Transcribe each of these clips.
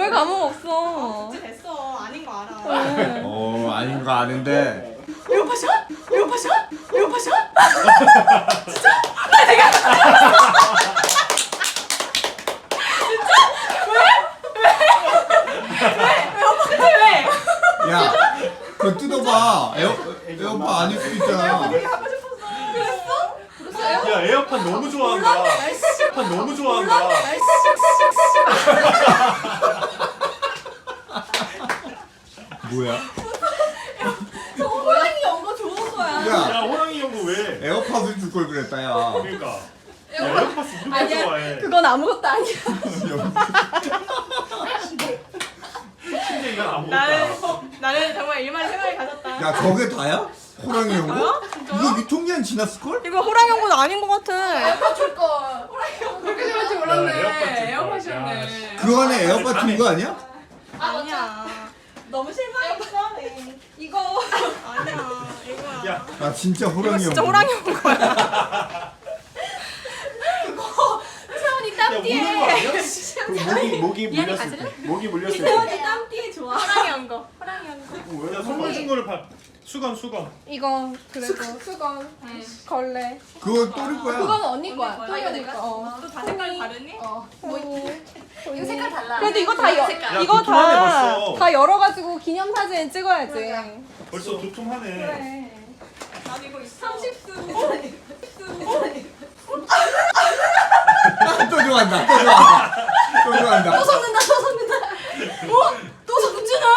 왜 감흥 없어? 진짜 됐어. 아닌 거 알아. 아닌 거 아는데. 에어팟이야? 에어팟이야? 에어팟이야? 야, 그거 뜯어봐. 에어팟 아닐 수도 있잖아. 되게 하고 싶었어. 그랬어? 야 에어팟 너무 좋아한다. 에어팟 너무 좋아한다. 뭐야? 저 호랑이 연거 좋은 거야. 야, 야 호랑이 연구 왜? 에어팟을 줄 걸 그랬다, 야. 그러니까. 야 에어팟 누가 좋아해? 그건 아무것도 아니야. 근데 이건 아무것도. 나는 정말 일만 생각이 가졌다. 야, 저게 다야? 호랑이 연구? 이거 유통기한 지났을걸? 이거 호랑이 연구는 아닌 것 같아. 에어팟 줄 걸. 호랑이 연 그렇게 생각할 줄 몰랐네. 에어팟이었네. 그 안에 에어팟 준 거 아니야? 아니야. 너무 실망했어. 이거 아니야. 이거야. 야 아, 진짜 호랑이 진짜 연구. 호랑이 연구야. 채원이 야 땀띠에. 우는 거 아니야? 그 목이 물렸을 때. 목이 물렸을 때. 채원이 땀띠에 좋아. 호랑이 연거. 호랑이 연거. 야 선물 준 거를 봐. 수건. 이거 그래도 수건. 걸레. 그거 또리 거야. 그건 언니 거야. 거야. 또 이거 내 거야. 또다 색깔 다르니? 이거 색깔 달라. 그래도 이거 다 야, 이거 두툼하네, 벌써. 다 열어가지고 기념 사진 찍어야지. 벌써 두툼하네. 그래. 나도 이거 있어. 30수. 또 좋아한다. 또 좋아한다. 또 좋아한다. 또 섞는다. 또 섞지나?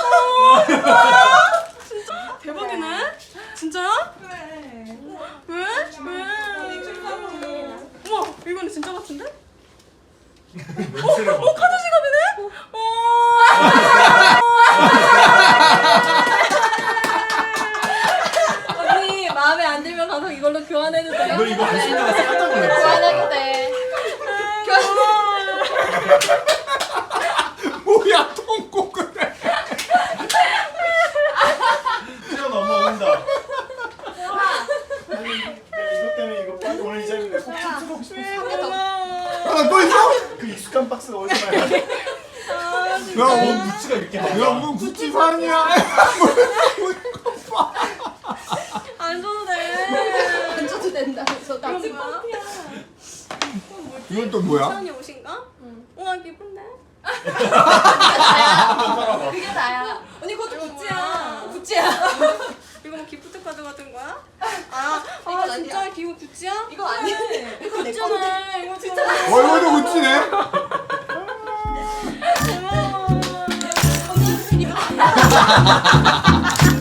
진짜? 대박이네? 진짜야? 그래. 왜? 우와, 이거는 진짜 같은데? 카드 지갑이네? 언니 마음에 안 들면 가서 이걸로 교환해도 돼. 너 이거 안 쓰다가 깜짝 놀랐어. 교환해도 돼. 뭐야, 통곡을 해. 태연 엄마 온다. 이거 때문에 이거 빨리 오늘 이 자리에 꼭 춤추고 싶어. 하나 또 있어? 그 익숙한 박스가 어디서 나야? 야, 야, 뭔 굿즈가 이렇게 많아? 야, 뭐 구찌판이야. 안 줘도 돼. 안 줘도 된다면서 나 지금. 이건 또 뭐야? 태연이 옷인가? 우와 기쁜데? 그게 나야. 언니 그것도 굿즈야. 구찌야. 이거 뭐 기프트 카드 같은 거야? 이건 아니야. 진짜 기분 굿즈야? 이거 아니야. 이거 내 건데. 굿즈네. 이거 진짜 이것도 구찌네. 고마워. 언니 이거 아니야.